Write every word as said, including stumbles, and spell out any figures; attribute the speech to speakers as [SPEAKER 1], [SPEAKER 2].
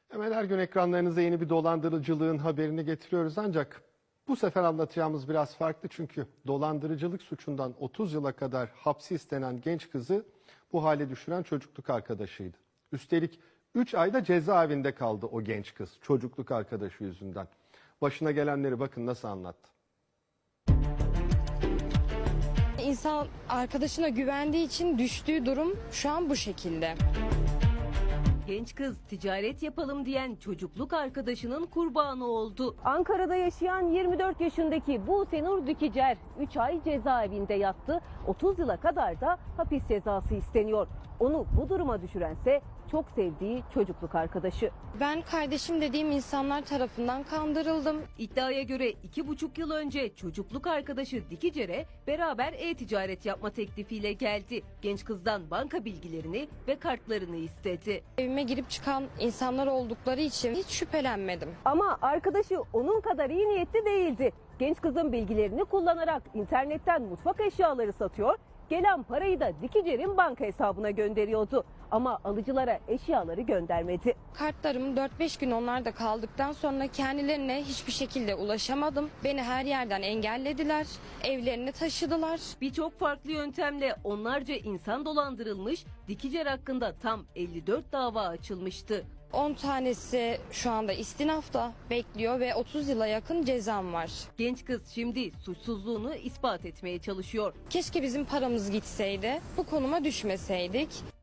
[SPEAKER 1] Hemen her gün ekranlarınıza yeni bir dolandırıcılığın haberini getiriyoruz ancak bu sefer anlatacağımız biraz farklı çünkü dolandırıcılık suçundan otuz yıla kadar hapsi istenen genç kızı bu hale düşüren çocukluk arkadaşıydı. Üstelik üç ayda cezaevinde kaldı o genç kız çocukluk arkadaşı yüzünden. Başına gelenleri bakın nasıl anlattı.
[SPEAKER 2] İnsan arkadaşına güvendiği için düştüğü durum şu an bu şekilde.
[SPEAKER 3] Genç kız ticaret yapalım diyen çocukluk arkadaşının kurbanı oldu.
[SPEAKER 4] Ankara'da yaşayan yirmi dört yaşındaki Buse Nur Dikicer üç ay cezaevinde yattı. otuz yıla kadar da hapis cezası isteniyor. Onu bu duruma düşürense çok sevdiği çocukluk arkadaşı.
[SPEAKER 2] Ben kardeşim dediğim insanlar tarafından kandırıldım.
[SPEAKER 3] İddiaya göre iki buçuk yıl önce çocukluk arkadaşı Dikicer'e beraber e-ticaret yapma teklifiyle geldi. Genç kızdan banka bilgilerini ve kartlarını istedi.
[SPEAKER 2] Evime girip çıkan insanlar oldukları için hiç şüphelenmedim.
[SPEAKER 4] Ama arkadaşı onun kadar iyi niyetli değildi. Genç kızın bilgilerini kullanarak internetten mutfak eşyaları satıyor. Gelen parayı da Dikicer'in banka hesabına gönderiyordu. Ama alıcılara eşyaları göndermedi.
[SPEAKER 2] Kartlarım dört beş gün onlarda kaldıktan sonra kendilerine hiçbir şekilde ulaşamadım. Beni her yerden engellediler. Evlerine taşıdılar.
[SPEAKER 3] Birçok farklı yöntemle onlarca insan dolandırılmış, Dikicer hakkında tam elli dört dava açılmıştı.
[SPEAKER 2] on tanesi şu anda istinafta bekliyor ve otuz yıla yakın cezam var.
[SPEAKER 3] Genç kız şimdi suçsuzluğunu ispat etmeye çalışıyor.
[SPEAKER 2] Keşke bizim paramız gitseydi, bu konuma düşmeseydik.